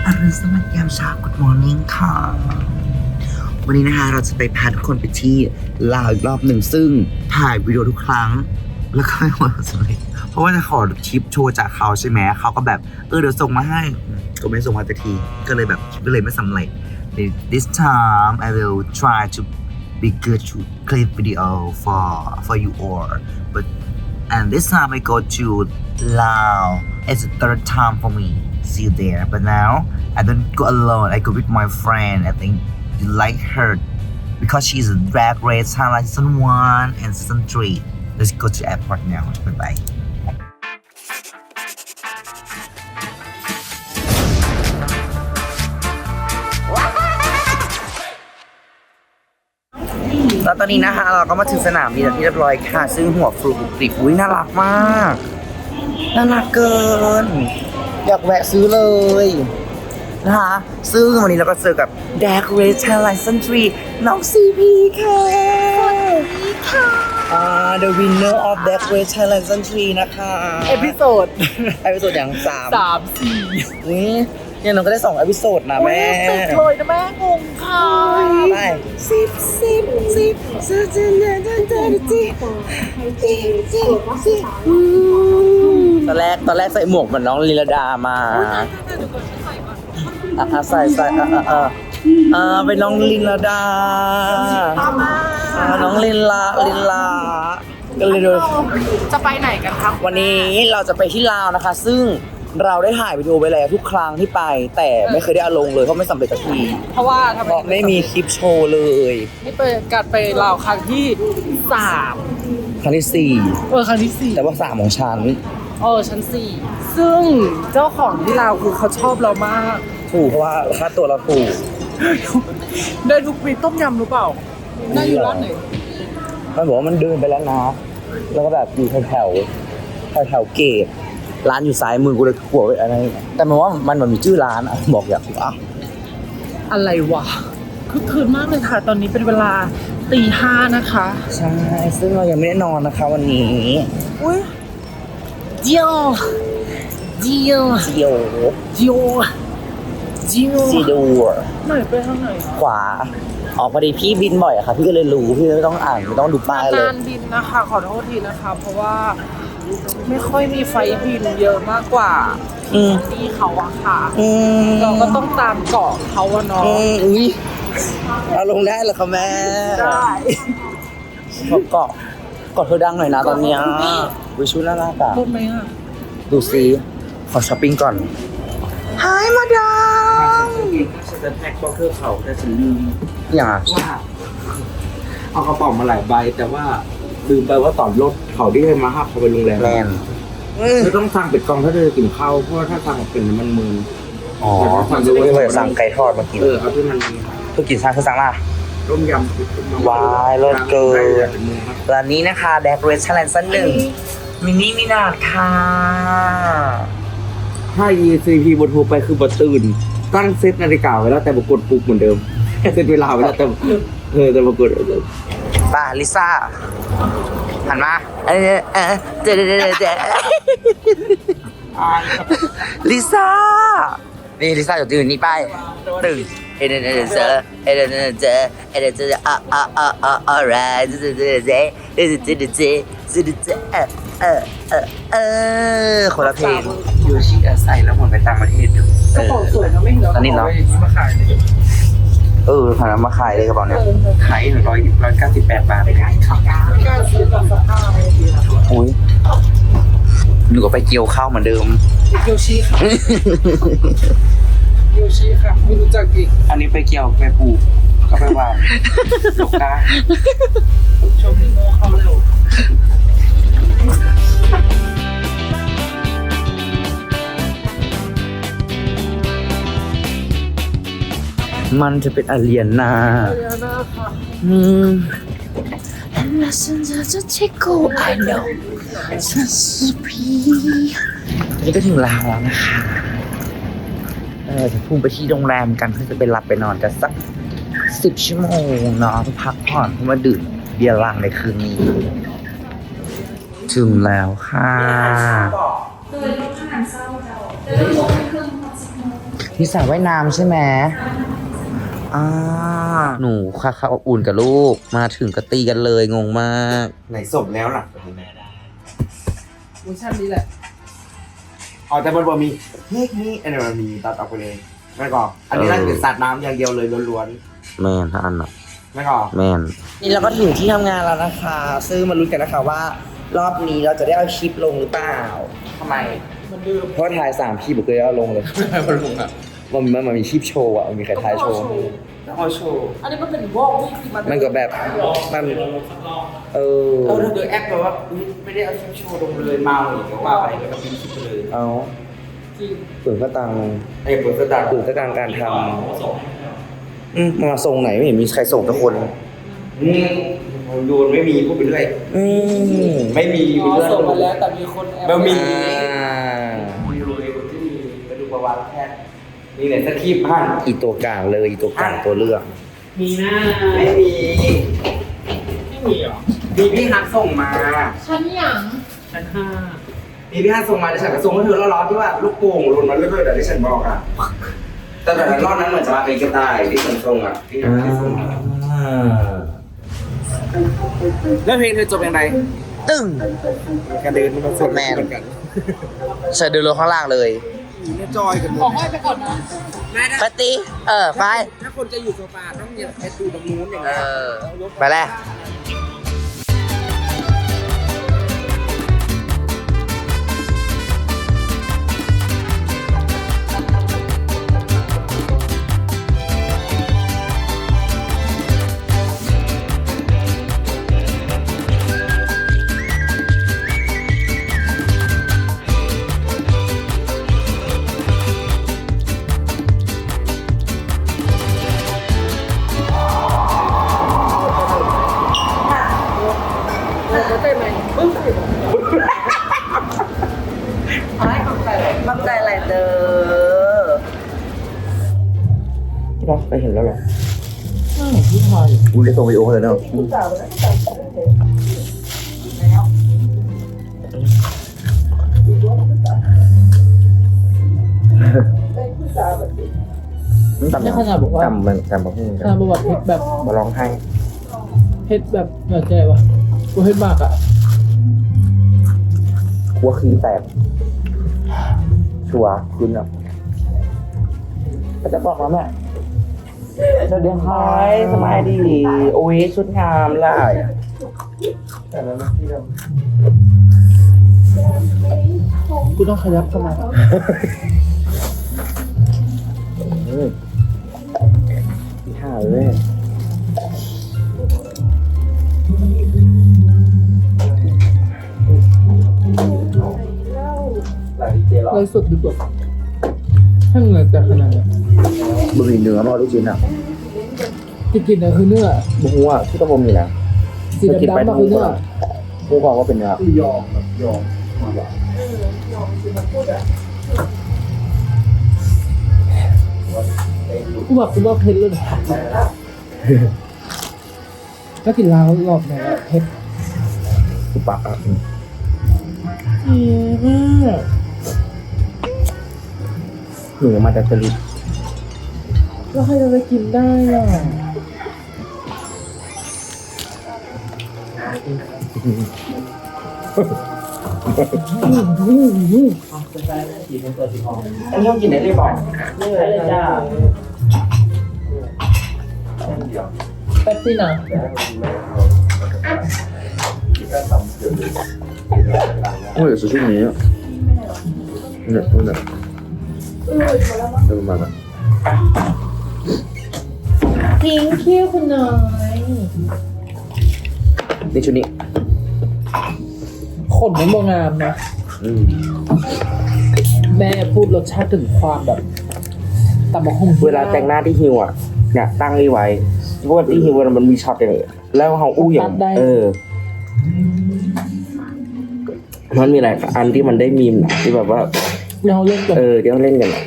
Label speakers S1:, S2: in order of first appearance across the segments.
S1: อรุณสวัสดิ์ยามเช้า Good morning ค่ะ วันนี้นะคะเราจะไปพาทุกคนไปที่ลาวอีกรอบหนึ่งซึ่งถ่ายวิดีโอทุกครั้งแล้วก็ไม่หมดเลยเพราะว่าจะขอทิปโชว์จากเขาใช่ไหมเขาก็แบบเดี๋ยวส่งมาให้ก็ไม่ส่งมาสักทีก็เลยไม่สำเร็จ This time I will try to be good to clip video for you all but and this time I go to Laos it's the third time for me see you there but now I don't go alone I go with my friend I think you like her because she's a drag race highlight season 1 and season 3 let's go to airport now bye bye แล้วตอนนี้นะคะเราก็มาถึงสนามบินที่เรียบร้อยค่ะซึ่งหัวฟลูกริบอุ้ยน่ารักมากน่ารักเกินอยากแวะซื้อเลยนะคะซึ่งวันนี้เราก็เจอกับ Drag Race Thailand Season 3 น้องซีพีค่ะสวัสดีค่ะ The winner of Drag Race Thailand Season 3 นะคะ
S2: เอพิโซด
S1: อย่าง3
S2: 3-4
S1: อุ้ยเนี่ยน้องก็ได้2 เอพิโซดนะแม่
S2: ติดเลยนะแม่งงค่ะ
S1: ไปตอนแรกใส่หมวกเหมือนน้องลีลาดามาใส่เป็นน้องลินลาดาน้องลินลาก็เลยดู
S2: จะไปไหนกันครับ
S1: วันนี้เราจะไปที่ลาวนะคะซึ่งเราได้ถ่ายวิดีโอไปแล้วทุกครั้งที่ไปแต่ไม่เคยได้เอาลงเลยเพราะไม่สำเร็จสักที
S2: เพราะว่า
S1: ไม่มีคลิปโชว์เลย
S2: นี่เป็นการไปลาวครั้งที่3
S1: ครั้งที่4
S2: ครั้งที่4
S1: แต่ว่า3ของฉัน
S2: ชั้น4ซึ่งเจ้าของที่ลาวคือเขาชอบเรามาก
S1: ถูกเพราะว่าค่าตัวเราถูก
S2: ได้ทุกปีต้มยำหรือเปล่าได้อยู่ร้านไหน
S1: มันบอกว่ามันเดินไปแล้วนะแล้วก็แบบอยู่แถวเกตร้านอยู่ซ้ายมือกูเลยกลัวไปอะไรแต่มันว่ามันมีชื่อร้านบอกอยากรู้
S2: อะไรวะคือคืนมากเลยค่ะตอนนี้เป็นเวลา 5:00 นะคะ
S1: ใช่ซึ่งเรายังไม่ได้นอนนะคะวันนี้
S2: อุ้ยเจียวไหนไปทางไหน
S1: ขวาพอดีพี่บินบ่อยอะค่ะพี่ก็เลยรู้พี่ไม่ต้องอ่านไม่ต้องดูป้ายเลย
S2: การบินนะคะขอโทษทีนะคะเพราะว่าไม่ค่อยมีไฟบินเยอะมากกว่าที่เขาอะค่ะเราก็ต้องตามเกาะเขาอะเนาะ
S1: อุ้ยเอาลงได้เหรอคะแม่
S2: ได้
S1: เกาะเธอดังหน่อยนะตอนนี้วิชุน่ารักอะ
S2: พูดไหมอะ
S1: ดูซิขอช้อปปิ้งก่อนหายมาดาม
S3: ฉันจะแพ็คบ็อกเกอร์เขาแต่ฉันลืม
S1: อย่าง
S3: ว่าเอากระเป๋ามาหลายใบแต่ว่าลืมไปว่าตอนรถเขาที่ให้มาหับเขาไปโรงแรมไม่ต้องสั่งเป็ดกองถ้าเธอกินข้าวเพราะว่าถ้าสั่งเป็นมันมือ
S1: สั่งด้วยว่าสั่งไก่ทอดมากิน
S3: เอาที่มัน
S1: เพื่อกินซ่าคือสั่งล่ะ
S3: ต้มยำ
S1: วายรสเกินร้านนี้นะคะแดกเรสชั่นแลนด์1มินิมินาดค่ะ
S3: ถ้า ECP บนโทรไปคือบทตื่นตั้งเซตนาฬิกาไว้แล้วแต่บกดปลุกเหมือนเดิมเซตเวลาไว้แล้วแต่บกด
S1: ป้าลิซ่าหันมาลิซ่านี่ลิซ่าจะตื่นนี่ไปตื่นคนละเพลง
S3: โยชิใส่แล้วหมดไปต่างประเทศอยู่
S2: กระเป๋าสวยนะไม่เหรอ
S1: ตอนนี้เนาะ
S2: มาขายเลย
S1: ผ่านมาขายเลยกระเป๋าเนี้ย
S3: ขาย198 บาทเลย
S2: การซื้อกับสภาพ
S1: อุ้ยหนูก็ไปเกี่ยวข้าวเหมือนเดิม
S2: โยชิค่ะโยชิค่ะไม่รู้จักอีก
S3: อันนี้ไปเกี่ยวไปปลูกก็ไปว่าโลกา
S2: ชมโมเขาเร็ว
S1: มันจะเป็นอาเลียนา
S2: ค่ะ
S1: I know นี่ก็ถึงลาวแล้วนะคะจะพุ่งไปที่โรงแรมกันเพื่อจะไปหลับไปนอนกันสัก10 ชั่วโมงเนาะพักผ่อนเพื่อมาดื่มเบียร์ลังในคืนนี้ถึงแล้วค่ะที่สระว่ายน้ำใช่ไหมหนูค่ะค่ะอบอุ่นกับลูกมาถึงก็ตีกันเลยงงมากไหนศพแล้วล่ะ
S2: เวอร์ชันนี้แหละ
S3: อ๋อแต่บนมีเฮ้ยนี่อันนี้มันมีตัดออกไปเลยไม่ก่อนอันนี้น่าจะเป็นสัตว์น้ำอย่างเดียวเลยล้วน
S1: แม่นถ้าอันน่ะ
S3: ๆไม่ก่อน
S1: แม่นนี่เราก็ถึงที่ทำงานแล้วนะคะ ซึ่งมาลุ้นกันนะคะว่ารอบนี้เราจะได้เอาคลิปลงหรือเปล่า
S3: ทำไม
S2: มันดื้อ
S1: เพราะถ่าย3คลิปผมเคยเอาลงเลย
S3: ไม่มาลงอ่ะ
S1: มันมีคลิปโชว์อ่ะมันมีใครถ่ายโชว์
S3: ต้องเอาโชว์
S2: อันนี้มันเป็นวอลที่มัน
S1: มันก็แบบมันเออ
S3: ถ้าเธอแอคแบบว่าอุ๊ยไม่ได้เอาคลิปโชว์ลงเลยเมาอีกก็ว่าไปแล้วก็พิมพ์คลิปไปเลย
S1: เอา
S2: จริง
S1: ฝืนก็ตัง
S3: ไอ้ผลกระดาษ
S1: ฝืนก็ตังการทำมาส่งไหนไม่เห็นมีใครส่งทุกคน
S3: โยนไม่มีพูดไปเรื่อยไม่มี
S2: อ๋อส่งมาแล้วแต่มีคนแอบ
S3: บะหมี่
S1: อ่า
S3: มีโรยคนที่มีกระดูกประวัติแค่นี่แหละสคริปต์ให้
S1: อีตัวกลางเลยอีตัวกลางตัวเลือก
S2: มีหน้า
S3: ไม่มี
S2: ไม่มีเหรอ
S3: มีพี่ฮัทส่งมา
S2: ชั้นหยังชั้น
S3: มีพี่ฮัทส่งมาแต่ฉันก็ส่งให้เธอแล้วร้อนที่ว่าลูกโป่งหล่นมาเรื่อยๆแต่ที่ฉันบอกอ่ะแต่รอบนั้นเหมือนจะมาเป็นกระต่ายที่ฉันส่งอ่ะที่ฮัทส่งมาแล้วเพลงเธอจบยังไง
S1: ตึ้ง
S3: การเดินมันสด
S1: แมน ใส่เดินลงข้างล่างเลย
S3: เนี่ยจอยกันหม
S2: ขอ
S3: ด
S2: ห้อยไปก่อนนะ
S1: ไปตีไป
S3: ถ้าคนจะอยู่โซฟาต้องเนี่ยไปดูตรงนู้นอย่าง
S1: เอ
S3: เงี้ย
S1: ไปแล้ว
S2: เข้าใจไหมปึ๊บอะไรเข้าใจเลย
S1: มั่นใจอะไรเด้อที่เราไปเห็นแล้วเหรอ
S2: พี่พาย
S1: กูได้ส่งวิดีโอเลยเนาะ
S2: นี่ขนาดบอกว่า
S1: จำมันจำมาพูด
S2: ขนาดบอกว่าเพชรแบบ
S1: มาร้องไห้
S2: เพชรแบบเข้าใจปะกูเพชรมากอ่ะ
S1: หัวขี้แตกชัวร์คุณอ่ะจะบอกมาแม่สวัสดีครับสบายดีโอ้ยชุดงามล่ะแต่แล้วนะที่เรา
S2: กูต้องขยับเข้ามา
S1: ที่ห้าเลย
S2: เลยสุดดีกว่าถ้าเหงื่อแต่ขนาดนี้
S1: บะหมี่เนื้อมาลูกชิ้นอ่ะ
S2: ที่กินเนี่ยคือเนื้อ
S1: บุ้งว่าที่ตะบมนี่นะ
S2: สีดำๆมาคือเนื้อ
S1: ผู้บอกว่าเป็นเนื้อย
S3: อมแบบยอม
S2: กูบอกเพชรเลยก็กินลาวรอบไหนอะเพชร
S1: สุปักอ่ะ หนูมาจากจริต
S2: แล้วใครจะไปกินได้อ่ะ
S3: อันนี้ต้องกินได้เลยบอก
S2: นี่เลยจ้าแป๊บซี่นะ
S1: โอ้ยสุดที่นี้อ่ะเนี่ยนี่เนี่ยเดินมาแบบ
S2: ทิ้งคิ้วคุณน้อย
S1: นี่ชุดนี้
S2: ขนมันบางามนะ แม่พูดรสชาติถึงความแบบตำมะฮุ่ง
S1: เวลาแต่งหน้าที่ฮิวอ่ะเนี่ยตั้งนี่ไว้เพราะว่าที่ฮิวมันมีช็อตอย่างแล้วเขาอู้อย่างมันมีหลายอันที่มันได้มีมที่แบบว่า
S2: เราเล่นกัน
S1: เดี๋ยวเล่นกันอ่ะ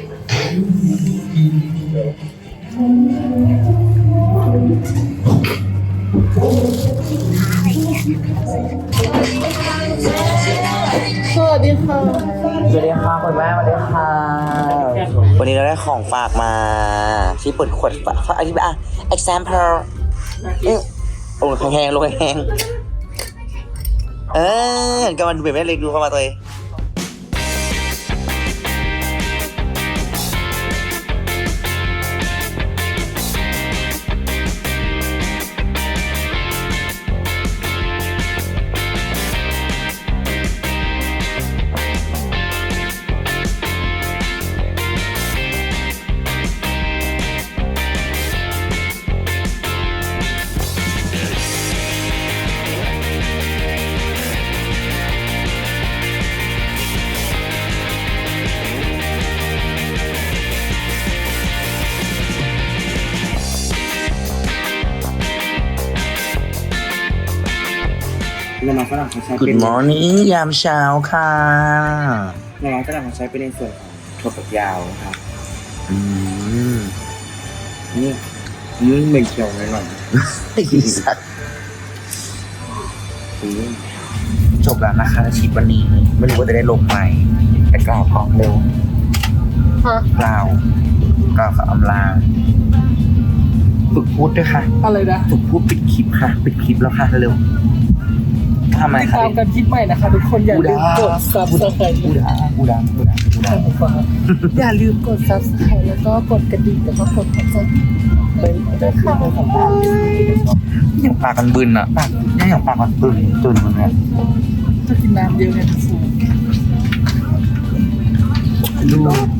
S2: สวัสดีค่ะ
S1: สวัสดีค่ะคุณแม่สวัสดีค่ะวันนี้เราได้ของฝากมาที่เปิดขวดฝากอธิบายexample โอ้แห้งๆลงแห้งก็มันดูแบบแม่เล็กดูเข้ามาตัวเอง
S3: น้ำมันฝรั่งเขาใช้
S1: Good
S3: เป็น
S1: morning ยามเช้าค่ะ
S3: น้ำมันฝรั่งเขาใช้เป็นในส่วนของถั่วฝักยาวครับ นี่เหม็นเขียวหน่อย
S1: ไอ้สัตว์
S3: ๆ
S1: จบแล้วนะคะชีพวันนี้ไม่รู้ว่าจะได้ลงไหมแต่กล่าวพร้อมเร็ว
S2: ฮะ
S1: กล่าวกับอำลาฝึกพูดด้วยค่ะ
S2: อะไรนะ
S1: ฝึกพูดปิดคลิปค่ะปิดคลิปแล้วค่ะเร็วทำไม
S2: ติด
S1: คะ
S2: ตามกันคลิปใหม่นะคะทุกคนอย่าลืมกด subscribe
S1: กูดัง
S2: อย่าลืมกด subscribe แล้วก็กดกระดิ่งแล้วก็กดหัวใจด้วยค่ะ
S1: อย่างปากกันบึนอ่ะปากอย่างปากกันบึนจนมึงเนี่ย
S2: จะกินน้ำเยอะไงทุกคน
S1: ดู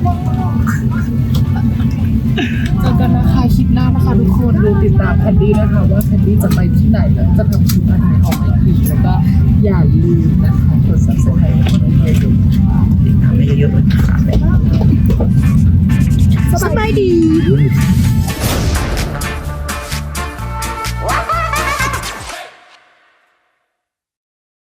S2: เจอกันนะคะคลิปหน้านะคะทุกคนดูติดตามแคนดี้นะคะว่าแคนดี้จะไปที่ไหนแล้วจะทำคลิปอะไรออกมาอีกแล้วก็อย่าลืมนะคะกด subscribe ให้คนอื่นด้วย
S1: ทำได้เยอะๆเลยค่ะ
S2: สบายดี
S1: ๆ